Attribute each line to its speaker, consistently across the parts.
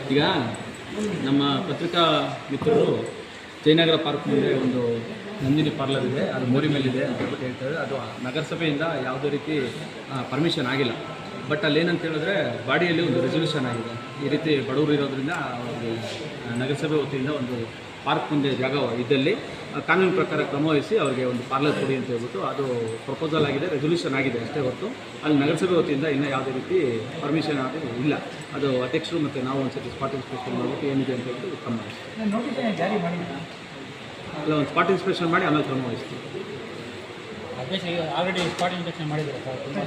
Speaker 1: ಈಗ ನಮ್ಮ ಪತ್ರಿಕಾ ಮಿತ್ರರು ಜಯನಗರ ಪಾರ್ಕ್ ಮುಂದೆ ಒಂದು ನಂದಿನಿ ಪಾರ್ಲರ್ ಇದೆ, ಅದು ಮೋರಿ ಮೇಲಿದೆ ಅಂತ ಹೇಳ್ತಾರೆ. ಅದು ನಗರಸಭೆಯಿಂದ ಯಾವುದೇ ರೀತಿ ಪರ್ಮಿಷನ್ ಆಗಿಲ್ಲ. ಬಟ್ ಅಲ್ಲೇನಂತ ಹೇಳಿದ್ರೆ ಬಾಡಿಯಲ್ಲಿ ಒಂದು ರೆಸಲ್ಯೂಷನ್ ಆಗಿದೆ, ಈ ರೀತಿ ಬಡವರು ಇರೋದ್ರಿಂದ ನಗರಸಭೆ ವತಿಯಿಂದ ಒಂದು ಪಾರ್ಕ್ ಮುಂದೆ ಜಾಗ ಇದ್ದಲ್ಲಿ ಕಾನೂನು ಪ್ರಕಾರ ಕ್ರಮ ವಹಿಸಿ ಅವರಿಗೆ ಒಂದು ಪಾರ್ಲರ್ ಕೊಡಿ ಅಂತ ಹೇಳ್ಬಿಟ್ಟು ಅದು ಪ್ರಪೋಸಲ್ ಆಗಿದೆ, ರೆಸಲ್ಯೂಷನ್ ಆಗಿದೆ ಅಷ್ಟೇ ಹೊರತು ಅಲ್ಲಿ ನಗರಸಭೆ ವತಿಯಿಂದ ಇನ್ನೂ ಯಾವುದೇ ರೀತಿ ಪರ್ಮಿಷನ್ ಅದು ಇಲ್ಲ. ಅದು ಅಧ್ಯಕ್ಷರು ಮತ್ತು ನಾವು ಒಂದು ಸತಿ ಸ್ಪಾಟ್ ಇನ್ಸ್ಪೆಕ್ಷನ್ ಮಾಡಿಬಿಟ್ಟು ಏನಿದೆ ಅಂತ ಹೇಳ್ಬಿಟ್ಟು ಕ್ರಮ ವಹಿಸ್ತೀವಿ. ಅಲ್ಲ, ಒಂದು ಸ್ಪಾಟ್ ಇನ್ಸ್ಪೆಕ್ಷನ್ ಮಾಡಿ ಆಮೇಲೆ ಕ್ರಮ ವಹಿಸ್ತೀವಿ.
Speaker 2: ಆಲ್ರೆಡಿ ಸ್ಪಾಟ್ ಇನ್ಸ್ಪೆಕ್ಷನ್ ಮಾಡಿದ್ದಾರೆ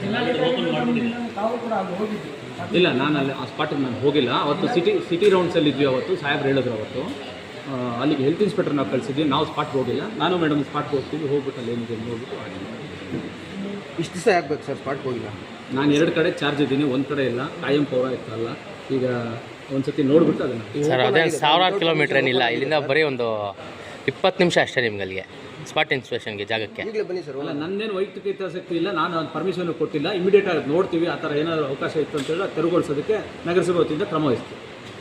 Speaker 1: ಇಲ್ಲ, ನಾನು ಅಲ್ಲಿ ಆ ಸ್ಪಾಟಿಗೆ ನಾನು ಹೋಗಿಲ್ಲ. ಅವತ್ತು ಸಿಟಿ ರೌಂಡ್ಸಲ್ಲಿ ಇದ್ವಿ. ಅವತ್ತು ಸಾಹೇಬ್ರು ಹೇಳಿದ್ರು ಅವತ್ತು ಅಲ್ಲಿಗೆ ಹೆಲ್ತ್ ಇನ್ಸ್ಪೆಕ್ಟರ್ ನಾವು ಕಳಿಸಿದ್ವಿ. ನಾವು ಸ್ಪಾಟ್ಗೆ ಹೋಗಿಲ್ಲ, ನಾನು ಮೇಡಮ್ ಸ್ಪಾಟ್ಗೆ ಹೋಗ್ತೀವಿ. ಹೋಗ್ಬಿಟ್ಟು ಅಲ್ಲಿ ಏನಿದೆ ನೋಡ್ಬಿಟ್ಟು ಆಗಿಲ್ಲ.
Speaker 3: ಇಷ್ಟು ದಿವಸ ಆಗ್ಬೇಕು ಸರ್ ಸ್ಪಾಟ್ಗೆ ಹೋಗಿಲ್ಲ?
Speaker 1: ನಾನು 2 ಕಡೆ ಚಾರ್ಜ್ ಇದ್ದೀನಿ, ಒಂದು ಕಡೆ ಇಲ್ಲ. ಕಾಯಂ ಪೌರ ಇತ್ತಲ್ಲ, ಈಗ ಒಂದು ಸತಿ ನೋಡ್ಬಿಟ್ಟು ಅದನ್ನು
Speaker 4: ಸರ್ ಅದೇ 1000 ಕಿಲೋಮೀಟ್ರ್ ಏನಿಲ್ಲ, ಇಲ್ಲಿಂದ ಬರೀ ಒಂದು 20 ನಿಮಿಷ ಅಷ್ಟೇ ನಿಮ್ಗೆ ಅಲ್ಲಿಗೆ ಸ್ಪಾಟ್ ಇನ್ಸ್ಪೆಕ್ಷನ್ಗೆ ಜಾಗಕ್ಕೆ.
Speaker 3: ಈಗಲೇ ಬನ್ನಿ ಸರ್.
Speaker 1: ಅಲ್ಲ, ನನ್ನೇನು ವೈಯಕ್ತಿಕ ಹಿತಾಸಕ್ತಿ ಇಲ್ಲ, ನಾನು ಅದು ಪರ್ಮಿಷನ್ ಕೊಟ್ಟಿಲ್ಲ. ಇಮಿಡಿಯೇಟ್ ಆಗಿ ನೋಡ್ತೀವಿ, ಆ ಥರ ಏನಾದರೂ ಅವಕಾಶ ಇತ್ತು ಅಂತೇಳಿ ತೆರವುಗೊಳಿಸೋದಕ್ಕೆ ನಗರಸಭೆ ವತಿಯಿಂದ ಕ್ರಮ ವಹಿಸ್ತೀವಿ.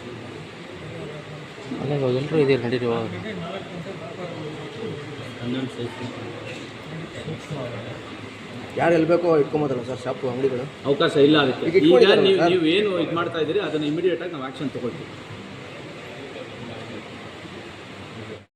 Speaker 4: ಅಲ್ಲ, ಇವಾಗ ಎಲ್ಲರೂ ಇದೀರಿ ನಡೀರಿ.
Speaker 3: ಯಾರು ಎಲ್ಬೇಕೋ ಇಟ್ಕೊಂಬೋದಲ್ಲ ಸರ್ ಶಾಪು ಅಂಗಡಿಗಳು?
Speaker 1: ಅವಕಾಶ ಇಲ್ಲ ಅದಕ್ಕೆ. ಈಗ ನೀವು ಏನು ಇದು ಮಾಡ್ತಾ ಇದ್ದೀರಿ ಅದನ್ನು ಇಮಿಡಿಯೇಟಾಗಿ ನಾವು ಆ್ಯಕ್ಷನ್ ತೊಗೊಳ್ತೀವಿ.